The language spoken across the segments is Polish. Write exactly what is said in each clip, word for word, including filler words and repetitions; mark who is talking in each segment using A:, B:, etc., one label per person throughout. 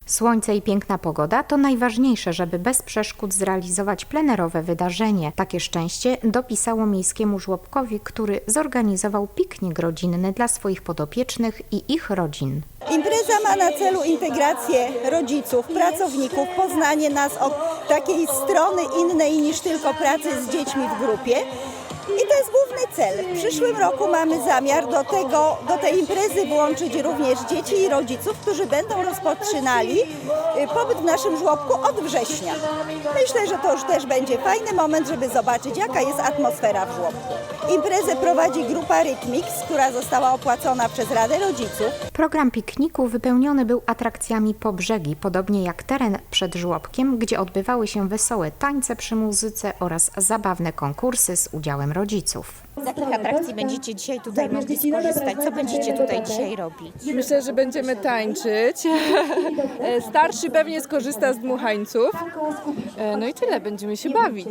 A: Słońce i piękna pogoda to najważniejsze, żeby bez przeszkód zrealizować plenerowe wydarzenie. Takie szczęście dopisało miejskiemu żłobkowi, który zorganizował piknik rodzinny dla swoich podopiecznych i ich rodzin.
B: Impreza ma na celu integrację rodziców, pracowników, poznanie nas od takiej strony innej niż tylko pracy z dziećmi w grupie. I to jest główny cel. W przyszłym roku mamy zamiar do, tego, do tej imprezy włączyć również dzieci i rodziców, którzy będą rozpoczynali pobyt w naszym żłobku od września. Myślę, że to już też będzie fajny moment, żeby zobaczyć, jaka jest atmosfera w żłobku. Imprezę prowadzi grupa Rytmix, która została opłacona przez Radę Rodziców.
A: Program pikniku wypełniony był atrakcjami po brzegi, podobnie jak teren przed żłobkiem, gdzie odbywały się wesołe tańce przy muzyce oraz zabawne konkursy z udziałem rodziców.
C: Z jakich atrakcji będziecie dzisiaj tutaj mogli skorzystać? Co będziecie tutaj dzisiaj robić?
D: Myślę, że będziemy tańczyć. Starszy pewnie skorzysta z dmuchańców. No i tyle, będziemy się bawić.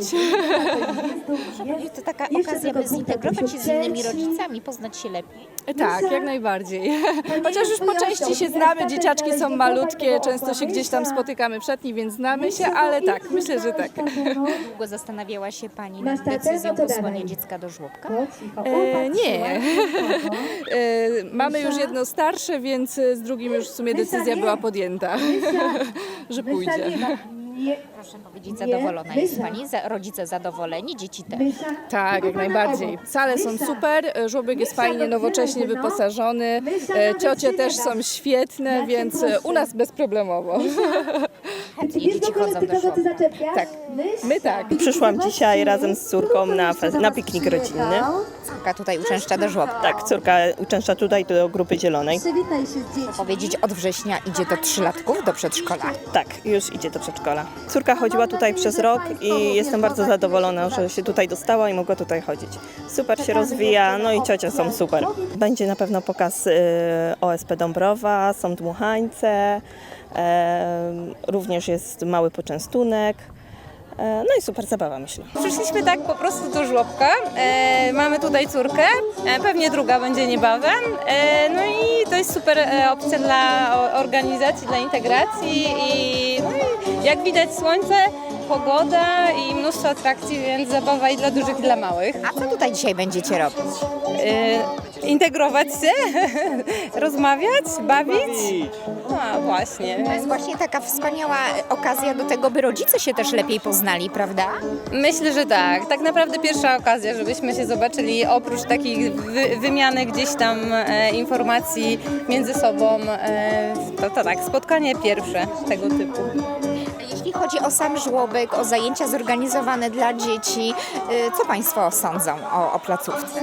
C: To taka okazja, by zintegrować się z innymi rodzicami, poznać się lepiej.
D: Tak, jak najbardziej. Chociaż już po części się znamy, dzieciaczki są malutkie, często się gdzieś tam spotykamy w szatni, więc znamy się, ale tak, myślę, że tak.
C: Długo zastanawiała się Pani nad decyzją posłania dziecka do żłobka?
D: E, nie. E, mamy już jedno starsze, więc z drugim już w sumie decyzja była podjęta, że pójdzie.
C: Proszę powiedzieć, zadowolona jest Pani? Za, rodzice zadowoleni, dzieci też?
D: Tak, jak najbardziej. Sale są super, żłobek jest fajnie, nowocześnie wyposażony, ciocie też są świetne, więc u nas bezproblemowo.
C: Chętnie dzieci chodzą do żłobka.
D: Tak, my tak.
E: Przyszłam dzisiaj razem z córką na, na piknik rodzinny.
C: Córka tutaj uczęszcza do żłobka.
E: Tak, córka uczęszcza tutaj do grupy zielonej.
C: Powiedzieć, od września idzie do trzylatków, do przedszkola.
E: Tak, już idzie do przedszkola. Córka chodziła tutaj przez rok i jestem bardzo zadowolona, że się tutaj dostała i mogła tutaj chodzić. Super się rozwija, no i ciocie są super. Będzie na pewno pokaz y, O S P Dąbrowa, są dmuchańce, e, również jest mały poczęstunek. No i super zabawa, myślę.
F: Przyszliśmy tak po prostu do żłobka, e, mamy tutaj córkę, e, pewnie druga będzie niebawem, e, no i to jest super e, opcja dla organizacji, dla integracji i, no i jak widać słońce, pogoda i mnóstwo atrakcji, więc zabawa i dla dużych i dla małych.
C: A co tutaj dzisiaj będziecie robić?
F: E, integrować się, rozmawiać, bawić. No właśnie.
C: To jest właśnie taka wspaniała okazja do tego, by rodzice się też lepiej poznali, prawda?
F: Myślę, że tak. Tak naprawdę pierwsza okazja, żebyśmy się zobaczyli oprócz takich wy, wymiany gdzieś tam e, informacji między sobą. E, to, to tak, spotkanie pierwsze tego typu.
C: Jeśli chodzi o sam żłobek, o zajęcia zorganizowane dla dzieci, y, co Państwo sądzą o, o placówce?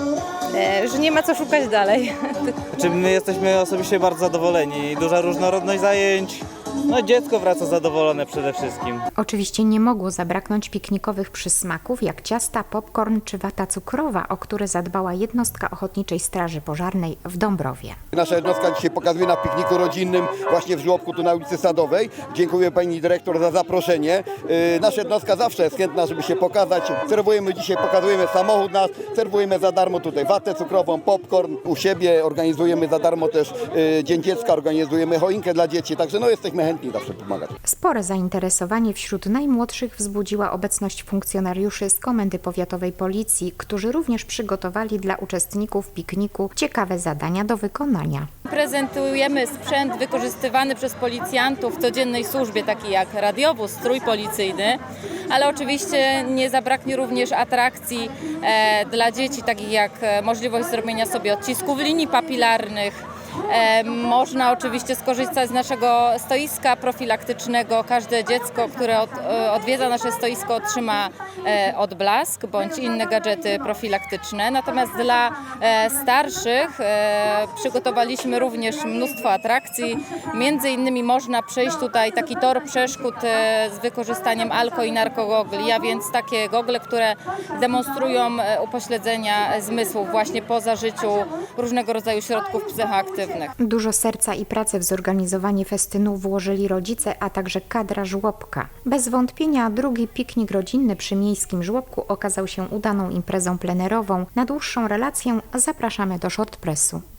F: E, że nie ma co szukać dalej.
G: Znaczy my jesteśmy osobiście bardzo zadowoleni. Duża różnorodność zajęć. No dziecko wraca zadowolone przede wszystkim.
A: Oczywiście nie mogło zabraknąć piknikowych przysmaków jak ciasta, popcorn czy wata cukrowa, o które zadbała jednostka Ochotniczej Straży Pożarnej w Dąbrowie.
H: Nasza jednostka dzisiaj pokazuje na pikniku rodzinnym właśnie w żłobku tu na ulicy Sadowej. Dziękuję pani dyrektor za zaproszenie. Yy, nasza jednostka zawsze jest chętna, żeby się pokazać. Serwujemy dzisiaj, pokazujemy samochód nasz, serwujemy za darmo tutaj watę cukrową, popcorn. U siebie organizujemy za darmo też yy, Dzień Dziecka, organizujemy choinkę dla dzieci, także no jesteśmy chętni zawsze pomagać.
A: Spore zainteresowanie wśród najmłodszych wzbudziła obecność funkcjonariuszy z Komendy Powiatowej Policji, którzy również przygotowali dla uczestników pikniku ciekawe zadania do wykonania.
F: Prezentujemy sprzęt wykorzystywany przez policjantów w codziennej służbie, taki jak radiowóz, strój policyjny, ale oczywiście nie zabraknie również atrakcji e, dla dzieci, takich jak możliwość zrobienia sobie odcisków linii papilarnych. E, można oczywiście skorzystać z naszego stoiska profilaktycznego. Każde dziecko, które od, e, odwiedza nasze stoisko, otrzyma e, odblask bądź inne gadżety profilaktyczne. Natomiast dla e, starszych e, przygotowaliśmy również mnóstwo atrakcji. Między innymi można przejść tutaj taki tor przeszkód e, z wykorzystaniem alko i narkogogli, a więc takie gogle, które demonstrują e, upośledzenia zmysłów właśnie po zażyciu różnego rodzaju środków psychoaktywnych.
A: Dużo serca i pracy w zorganizowanie festynu włożyli rodzice, a także kadra żłobka. Bez wątpienia drugi piknik rodzinny przy miejskim żłobku okazał się udaną imprezą plenerową. Na dłuższą relację zapraszamy do Shortpressu.